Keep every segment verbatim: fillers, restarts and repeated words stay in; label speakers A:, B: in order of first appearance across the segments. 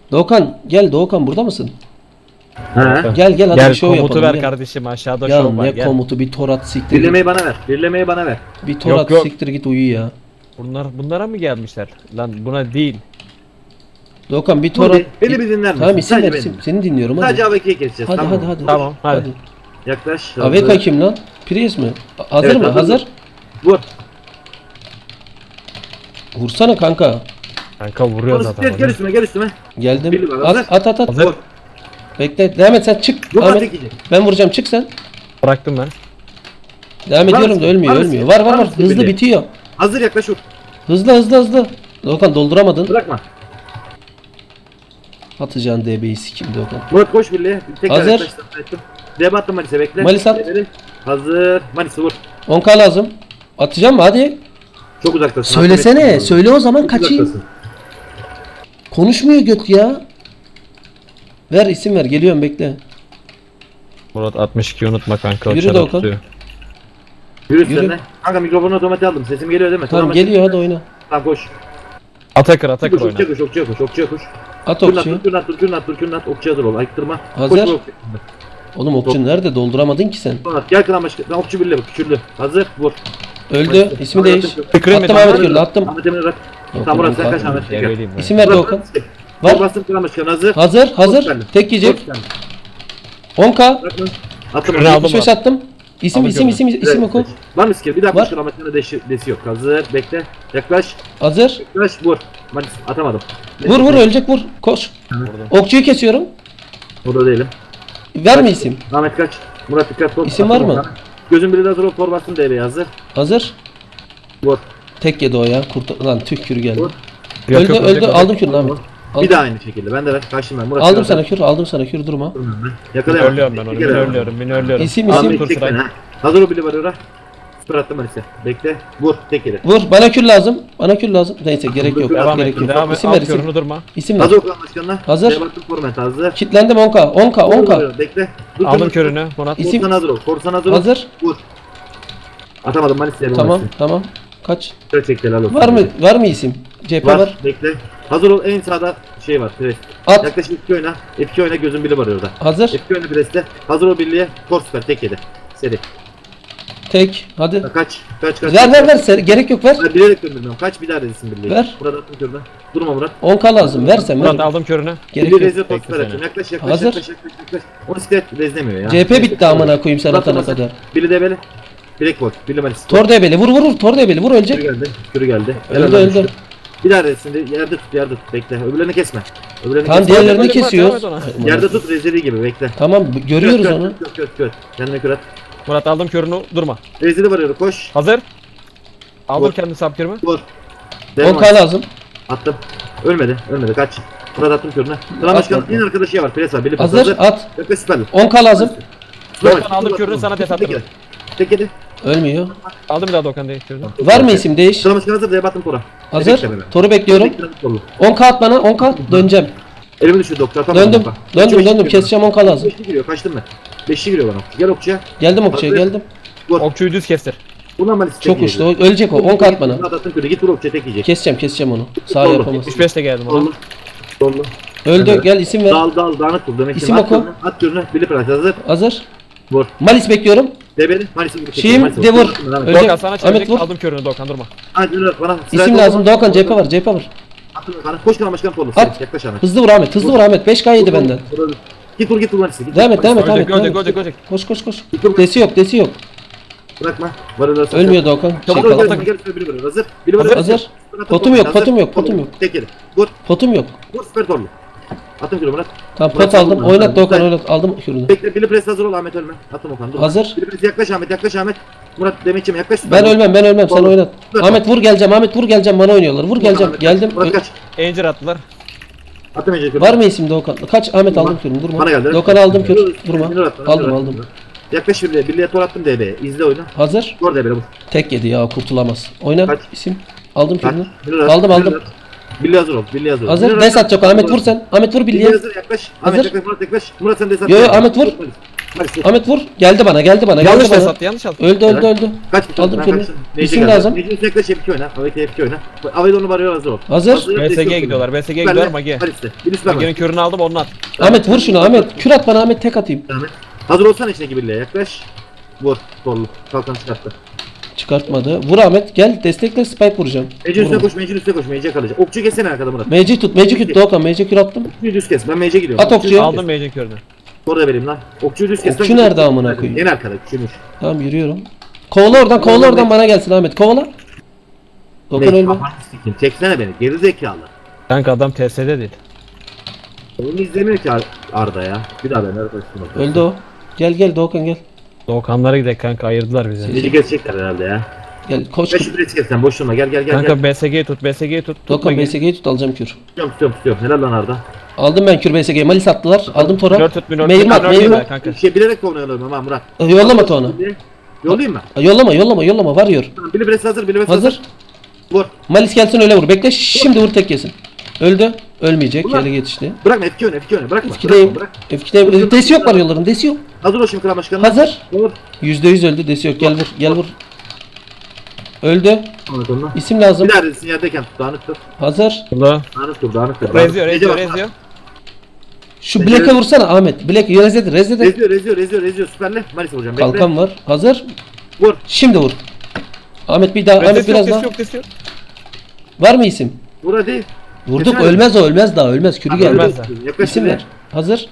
A: Doğukan gel, Doğukan burada mısın?
B: He.
A: Gel gel hadi
C: Gel
A: bir şov
C: komutu
A: yapalım.
C: ver
A: Gel.
C: kardeşim, aşağıda
A: Ya
C: şov var.
A: ne
C: Gel.
A: komutu, bir torat siktir.
B: Birlemeyi bana ver. Birlemeyi bana ver.
A: Bir torat
C: Yok, yok.
A: siktir git uyu ya.
C: Bunlar bunlara mı gelmişler? Lan buna değil.
A: Doğukan bir
B: Dur
A: torat.
B: bir, beni bir dinler misin?
A: Tamam isim
B: Sadece
A: ver
B: beni.
A: isim. Seni dinliyorum hadi.
B: Sadece A V K'yi keseceğiz.
A: Hadi
B: tamam
A: hadi
B: mı?
A: hadi.
C: Tamam, hadi.
B: Yaklaş.
A: A V K kim lan? Prius mu? Hazır
B: Evet,
A: mı?
B: hazır.
A: Hazır.
B: Vur.
A: Vursana kanka.
C: Kanka vuruyor
B: Vur,
C: zaten.
B: Gel, gel üstüme gel üstüme.
A: Geldim.
B: Biri var,
A: At
B: hazır.
A: at at. at.
C: Hazır.
A: Bekle. Devam et sen çık.
B: Yok
A: Ahmet.
B: artık yiyecek.
A: Ben vuracağım, çık sen.
C: Bıraktım ben.
A: Devam
B: Var
A: ediyorum
B: mısın?
A: da ölmüyor
B: Var
A: ölmüyor.
B: mısın?
A: Var var
B: Var
A: var.
B: mısın
A: Hızlı
B: bile?
A: bitiyor.
B: Hazır yaklaş vur.
A: Hızlı hızlı hızlı. Doğukan dolduramadın.
B: Bırakma.
A: Atacağın D B'yi sikim Doğukan.
B: Murat koş birliğe. Tekrar
A: Hazır.
B: yaklaş, tekrar ettim. Debe attım Manis'e bekle.
A: Manis at.
B: Debeli. Hazır. Manis'e vur.
A: on K lazım. Atacağım mı hadi.
B: Çok uzaktasın.
A: Söylesene.
B: Hatırlatma.
A: Söyle o zaman
B: Çok
A: kaçayım.
B: uzaktasın.
A: Konuşmuyor göt ya. Ver isim ver. Geliyorum bekle.
C: Murat altmış iki unutma kanka. o
A: Yürü
C: çarı
A: Doğukan.
C: tutuyor.
B: Yürü
A: Yürü.
B: üstlerine. Kanka mikrofonu otomatik aldım. Sesim geliyor değil mi?
A: Tamam
B: mı?
A: geliyor hadi oyna.
B: Tamam koş.
C: Atakır atakır
B: Koş,
C: oyna.
B: okçuya koş, okçuya koş, okçuya koş.
A: At
B: Kürnat,
A: okçuyu.
B: dur, kürnat, dur, kürnat, dur, kürnat. Okçuya dur ol, ayıktırma.
A: Hazır.
B: Koş, koş.
A: Oğlum okçu nerede? Dolduramadın ki sen.
B: Kürnat, gel kılan başka. Lan okçu birle bak, küçüldü. Hazır, vur.
A: Öldü. İsmi değiş.
C: Tıkırın
A: Attım
C: mı?
A: Ahmet Gürlü attım.
B: Ahmet Emin'i bırak.
A: Yok,
B: Tamam Murat sen
A: yok,
B: kaç
A: yok.
B: Ahmet?
C: Ya
B: Gel.
C: vereyim ben.
A: İsim ver Doğukan.
B: Var.
A: Var.
B: Bastım kılan başkanı hazır.
A: Hazır hazır.
B: geldi.
A: Tek yiyecek.
B: Koş geldi.
A: on K.
B: Bırak lan. Attım.
C: Kürünü aldım.
A: yetmiş beş attım. İsim
C: Aldım
A: isim
C: gördüm.
A: isim isim oku.
B: Var mı skill? Bir daha
A: Var.
B: koş kılan başkanı deşi, desi yok. Hazır, bekle. Yaklaş.
A: Hazır.
B: Yaklaş, vur. Manis atamadım.
A: Vur vur ölecek vur. Koş. Okçuyu kesiyorum.
B: Burada değilim.
A: Ver mi isim?
B: Ahmet kaç. Murat dikkat ol.
A: İsim
B: Attım
A: var mı?
B: ona. Gözün biri de hazır ol. Tor bastım D B'ye hazır.
A: Hazır.
B: Vur.
A: Tek yedi o ya. Kurt lan tüh kürü geldi.
B: Vur.
C: Yok,
A: Öldü
C: yok,
A: öldü.
C: yok.
A: Aldım kürünü Ahmet.
B: Vur.
A: Aldım.
B: Bir daha aynı şekilde. Ben de ver. Kaçtım ben. Murat
A: Aldım
B: biraz
A: sana
B: daha-
A: kür. Aldım sana kür, durma.
B: Durmuyorum ben.
C: Beni
B: Yakalayamam.
C: ölüyorum ben onu.
B: Bir
C: Beni
B: kere ver.
C: ölüyorum. Beni ölüyorum.
A: İsim,
C: Aldım
A: isim.
C: tur
B: Ahmet tek
C: sırayı.
B: ben ha. Hazır o bile var ora. Süper attım Manis'e. Bekle. Vur. Tek yeri.
A: Vur. Bana kür lazım. Bana kür lazım. Neyse gerek yok.
B: Devam
C: Devam
A: Gerek
C: et.
A: yok.
C: Devam et.
A: İsim ver
C: Al
A: isim.
C: körünü durma.
A: İsim ver.
B: Hazır okulan başkanına.
A: Hazır.
B: Şeye baktım format hazır.
A: Kitlendim on K. on K on K.
B: Vur, Bekle. Dur,
C: Aldım
B: dur.
C: körünü. Murat.
A: İsim-
B: Korsan hazır ol. Korsan hazır ol.
A: Hazır.
B: Vur. Atamadım Manis'e.
A: Tamam tamam. Kaç?
B: Şöyle çekti helal olsun.
A: Var mı var mı isim? C P
B: Var.
A: var.
B: Bekle. Hazır ol. En sağda şey var. Pres.
A: At.
B: Yaklaşık F iki oyna. F iki oyna gözün biri var orada.
A: Hazır.
B: F iki oyna preste. Hazır ol birliğe. Kor süper. Tek yedi. Seri.
A: Tek. Hadi.
B: Kaç. Kaç kaç.
A: Ver ver ver. Ser- Gerek yok ver.
B: Ben bilerek döndürmüyorum. Kaç bir daha rezisin birliğe.
A: Ver.
B: Burada attım körüne. Durma Murat.
A: on K lazım. Versen
C: Murat
A: ver.
C: aldım körünü.
A: Gerek
B: Bir
A: yok.
B: rezil
C: Bekle
B: poster
C: seni.
B: açıyorum. Yaklaş yaklaş
A: Hazır.
B: yaklaş yaklaş yaklaş. Onu site rezlemiyor ya.
A: C P bitti amına koyayım sen
B: Murat
A: atana
B: Ramazan.
A: kadar.
B: Biri de böyle. Bilek bot. Biri Manis.
A: Tor debeli. Vur vur vur. Tor debeli. Vur
B: Kürü
A: ölecek.
B: geldi. Kürü geldi.
A: Öldü
B: Helal
A: öldü.
B: olsun. Bir daha rezilsin. Yerde tut yerde tut. Bekle. Öbürlerini kesme. Öbürlerini
A: Tamam
B: kesme.
A: diğerlerini
C: Murat,
A: kesiyoruz.
C: devam et
B: Yerde tut rezili gibi bekle.
A: Tamam görüyoruz
B: Kör,
A: onu.
B: Kör kör kör. Kendine kür at.
C: Murat aldım körünü. Durma.
B: Rezili varıyor. Koş.
C: Hazır. Aldım
B: Vur.
C: kendi sapkırımı.
B: Vur.
A: on
B: Devam
A: K
B: et.
A: lazım.
B: Attım. Ölmedi. Ölmedi. Kaç. Murat attım körüne. Klan başkanın
A: Atma.
B: en arkadaşı var. Pres var. Biri
A: Hazır at.
B: Yaklaş süperli.
A: on K lazım.
C: Doğukan aldım körünü sana tes attırdım.
B: Tek yedi.
A: Ölmüyor.
C: Aldım bir daha Doğukan değil körünü.
A: Var mı isim değiş?
B: Klan başkanı hazır. Diye battım Tora.
A: Hazır. Toru bekliyorum. on K at bana. on K döneceğim.
B: Elimi düşürdü doktor. Tamam.
A: Döndüm. Döndüm döndüm. Keseceğim on K lazım.
B: Beşli giriyor. Kaçtım ben. Beşli giriyor bana. Gel okçuya.
A: Geldim okçuya
B: Hazır.
A: geldim.
B: Vur.
C: Okçuyu düz kestir.
B: Bundan ben isteyecek.
A: Çok uçtu. o- Ölecek o. on K at bana.
B: Murat attım körü. Git vur okçuya tek yiyecek.
A: Keseceğim keseceğim onu. Sağ
B: Doğru.
A: yapamaz.
C: yetmiş beş de geldim ona.
B: Sollu. Sollu.
A: Öldü. Gel isim ver.
B: Dal dal dağınık vur. Demek ki
A: İsim
B: at
A: oku.
B: körüne, At körüne. Bili pras hazır.
A: Hazır.
B: Vur.
A: Malis bekliyorum.
B: Debeli. Manis'i vur.
A: Şeyim
B: Manis'i
A: de vur.
B: Ahmet
A: Ölecek.
C: Doğukan sana
A: Ahmet
C: çevirecek.
A: vur.
C: Aldım körünü Doğukan durma.
B: Murat bana.
A: İsim lazım. Doğukan C P var. C P var.
B: Attım bana. Koş klan başkanı torlu.
A: At.
B: Yaklaş Ahmet.
A: Hızlı vur Ahmet. Hızlı vur Ahmet. beş K yedi
B: Vur,
A: benden.
B: vur, vur. Git vur git vur Manis'i. Git,
A: Devam
B: vur,
A: et devam et
B: Manis'i.
A: devam et.
C: Görecek
A: devam
C: görecek
A: et.
C: görecek.
A: Koş koş koş.
B: Git vur.
A: Desi yok desi yok.
B: Bırakma. Varırlar.
A: Ölmüyor Doğukan. Şey
B: Çabuk
A: kaldı.
B: ol gel gel süper biri var. Hazır. Biri var.
A: Hazır, hazır. Potum yok, potum yok, potum yok.
B: Tek yeri. Vur.
A: Potum yok.
B: Vur süper torlu. Attım kilo Murat.
A: Tamam
B: Murat,
A: pot aldım.
B: aldım.
A: Oynat Doğukan
B: Güzel.
A: oynat. Aldım kürünü.
B: Bekle. Bili pres hazır ol Ahmet ölme. Attım Okan. Dur.
A: Hazır.
B: Bili pres yaklaş Ahmet. Yaklaş Ahmet. Murat Demetçim yaklaş. süper.
A: Ben ölmem ben ölmem sen
B: Oğlum.
A: oynat.
B: Dur.
A: Ahmet vur geleceğim. Ahmet vur geleceğim. Bana oynuyorlar. Vur geleceğim.
B: Ahmet,
A: Geldim.
B: Murat kaç.
C: Encir attılar.
B: Attım Ece.
A: Var mı isim Doğukan? Kaç Ahmet aldım kürünü. Durma.
B: Bana geldi.
A: Doğukan aldım kür.
B: Minör
A: Durma.
B: at, minör at,
A: Aldım
B: minör at.
A: aldım.
B: Yaklaş birliğe. Birliğe tor attım D B'ye. İzle oyunu.
A: Hazır.
B: Tor D B'ye vur.
A: Tek yedi ya kurtulamaz. Oyna.
B: Kaç.
A: İsim. Aldım
B: Kaç.
A: kürünü.
B: Minör at,
A: Aldım
B: minör
A: aldım.
B: at. Birliğe hazır ol. Birliğe hazır ol.
A: Hazır.
B: Minör
A: Des
B: at.
A: atacak. Ahmet vur sen. Ahmet vur
B: Birliğe
A: bilye.
B: hazır yaklaş. Ahmet
A: Hazır.
B: yaklaş. Murat yaklaş. Murat sen des at.
A: Yo yo Ahmet vur.
B: Malis'e.
A: Ahmet vur. Geldi bana geldi bana
C: Yanlış
A: geldi
C: da
A: bana.
C: sattı yanlış attı.
A: Öldü öldü öldü.
B: Kaç bir
A: Aldım
B: ben
A: kürünü.
B: kaçtım.
A: İsim
B: geldi.
A: lazım.
B: Meclis yaklaş F iki oyna. Avete F iki oyna. Avete onu varıyor hazır ol.
A: Hazır.
C: B S G'ye gidiyorlar. B S G'ye gidiyorlar Mage.
B: Malis'e. Bir üst ver
C: Mage'nin körünü aldım onu at.
A: Ahmet vur şunu Ahmet. Kür at bana Ahmet tek atayım.
B: Ahmet. Hazır olsana içine birliğe yaklaş. Vur. Sollu. Kalkan çıkarttı.
A: Çıkartmadı. Vur Ahmet gel destekle spike vuracağım.
B: Meclis üstüne
A: Vurma.
B: koş. Meclis üstüne koş. Meclis kalacak. Okçu kesene arkada Murat.
A: Mece tut Mece kür Doğukan Mece kür attım.
B: Okçuyu düz kes. Ben Mec'e gidiyorum.
A: At okçuyu.
C: Aldım Mage'nin körünü.
B: Orada vereyim lan. Okçuyu düz kes.
A: Okçu nerede amına koyayım?
B: En arkada. Küçülmüş.
A: Tamam yürüyorum. Kovala oradan kovala oradan bana gelsin Ahmet kovala. Doğukan ölme.
B: Çeksene beni. Geri zekalı.
C: Kanka adam T S'de değil.
B: Onu izlemiyor ki Ar- Arda ya. Bir daha ben Arda koştum.
A: Öldü o. Gel gel Doğukan gel.
C: Doğukanlara gidelim kanka ayırdılar bizi.
B: Mec'i kesecekler herhalde ya.
A: Gel koş.
B: Ben şu birisi kes sen boş durma. Gel gel gel. gel.
C: Kanka B S G'yi tut B S G'yi tut. tut
A: Doğukan
C: Mage.
A: B S G'yi tut alacağım kür.
B: Tutuyorum tutuyorum tutuyorum. Helal lan Arda.
A: Aldım ben kür B S G'yi. Malis attılar. Aldım Tora.
C: Minör tut minör tut.
A: Meyrim at
C: minör
A: meyrim
C: tut
A: at.
C: Kanka.
B: Bir şey bilerek konuyalıyorum ama Murat.
A: Yollama Tona.
B: Yollayayım mı?
A: Yollama yollama yollama varıyor.
B: Tamam. Bili Bres hazır. Bili Bres hazır.
A: Hazır.
B: Vur.
A: Malis gelsin öyle vur. Bekle şimdi vur tek yesin. Öldü. Ölmeyecek.
B: Ulan.
A: Yere yetişti.
B: Bırakma F iki oyna F iki oyna. Bırakma.
A: F ikideyim.
B: Bırakma, bırak.
A: F ikideyim. Desi yok var yolların. Desi yok.
B: Hazır ol şimdi kral başkanım.
A: Hazır.
B: Vur.
A: yüzde yüz öldü. Desi yok. Gel vur. Gel vur. Öldü.
B: Anlat onu.
A: İsim lazım.
B: Bir daha resim yerdeyken tut. Dağınık tut.
A: Hazır.
C: Burada.
B: Dağınık tut. Dağınık tut.
C: Reziyor
B: Mece
C: reziyor
B: bak,
C: reziyor.
A: Şu Black'e vursana Ahmet. Black rezede rezede.
B: Reziyor reziyor reziyor reziyor. Süperle. Malis vuracağım. Bekle.
A: Kalkan var. Hazır.
B: Vur.
A: Şimdi vur. Ahmet bir daha. Ahmet
C: Reziyor
A: biraz
C: yok
A: daha.
C: yok yok.
A: Var mı isim?
B: Vur hadi.
A: Vurduk.
B: Keser.
A: Ölmez o. Ölmez daha. Ölmez. Kürü
B: Hadi,
A: geldi.
C: ölmez.
B: Yaklaş
A: İsim
B: şimdi.
A: ver. Hazır.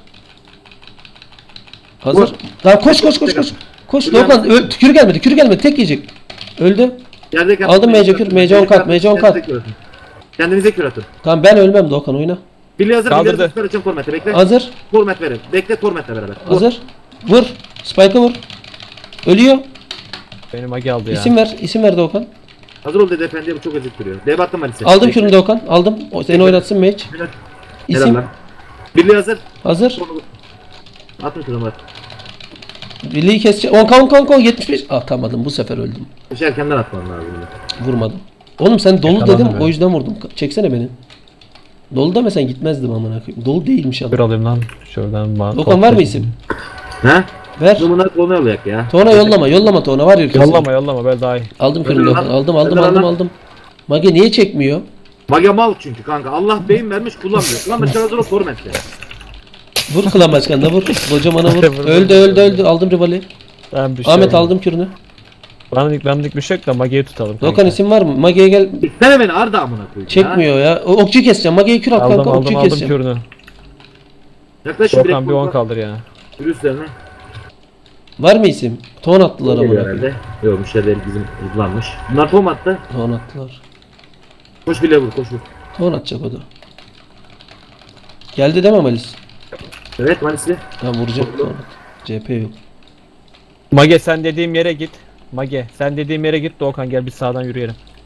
A: Hazır.
B: Vur.
A: Daha koş koş koş koş. Koş
B: Kürü
A: Doğukan.
B: gelmedi.
A: Öl, kürü gelmedi. Kürü gelmedi. Tek yiyecek. Öldü.
B: Yerdeyken
A: Aldım Mece kür, Mece on kat, Mece on kat.
B: Kendinize kür atın. Kendinize kür atın.
A: Tamam ben ölmem Doğukan oyna.
B: Billy hazır.
C: Kaldırdı.
B: Billy hazır. Süper açın formatı. Bekle.
A: Hazır.
B: Format verin. Bekle formatle beraber. Vur.
A: Hazır. Vur. Spike'ı vur. Ölüyor.
C: Beni Mage aldı ya.
A: İsim ver. İsim ver Doğukan.
B: Hazır ol dedi efendiye bu çok acık duruyor. Dev attım Malis'e.
A: Aldım
B: Bekle.
A: kürünü Doğukan. Aldım. O seni oynatsın Mage.
B: Helal. Helal
A: İsim.
B: lan. Billy hazır.
A: Hazır.
B: Atın kürünü var.
A: Birliği keseceğim. on kan on kan yetmiş beş. Ah atamadım. Bu sefer öldüm.
B: Bir şey erkenden atman lazım.
A: Vurmadım. Oğlum sen dolu
C: Yakalandım
A: dedim.
C: ya.
A: O yüzden vurdum. Çeksene beni. Dolu demesen gitmezdim amına koyayım. Dolu değilmiş
C: Bir
A: adam.
C: alayım lan. Şuradan bana.
A: Doğukan var mı isim?
B: He?
A: Ver.
B: Bunlar konu olacak ya.
A: Tona yollama. Yollama Tona. Var ya kesin.
C: Yollama yollama böyle daha iyi.
A: Aldım kürünü
B: Öldür
A: Doğukan.
B: lan.
A: Aldım aldım
B: Öldür
A: aldım
B: lan.
A: aldım. Mage niye çekmiyor?
B: Mage mal çünkü kanka. Allah beyin vermiş kullanmıyor. Lan başkan hazır ol formatle.
A: Vur klan başkanına vur. Kocamana vur.
C: Vur, vur,
A: öldü
C: vur,
A: öldü
C: vur.
A: öldü. Aldım rivali.
C: Ben bir şey
A: Ahmet
C: olmadı.
A: aldım kürünü.
C: Benlik benlik bir şey yok da Mage'yi tutalım.
A: Doğukan
C: kanka.
A: isim var mı? Mage'ye gel.
B: Sen beni Arda amına koyayım.
A: Çekmiyor ya. O- Okçuyu keseceğim. Mage'yi kür at
C: Aldım
A: kanka.
C: aldım
A: Okçuyu
C: aldım
A: keseceğim.
C: körünü.
B: Yaklaş şimdi
C: Doğukan bir on kaldır ya.
B: Yürü üstlerine.
A: Var mı isim? Ton attılar ama.
B: Geliyor herhalde. Yok müşteriler bizim hızlanmış. Bunlar form attı.
A: Ton attılar.
B: Koş bile vur koş vur.
A: Ton atacak o da. Geldi değil mi Malis?
B: Evet Malisli.
A: Tamam vuracağım. Ton at. C P yok.
C: Mage sen dediğim yere git. Mage sen dediğim yere git Doğukan gel biz sağdan yürüyelim.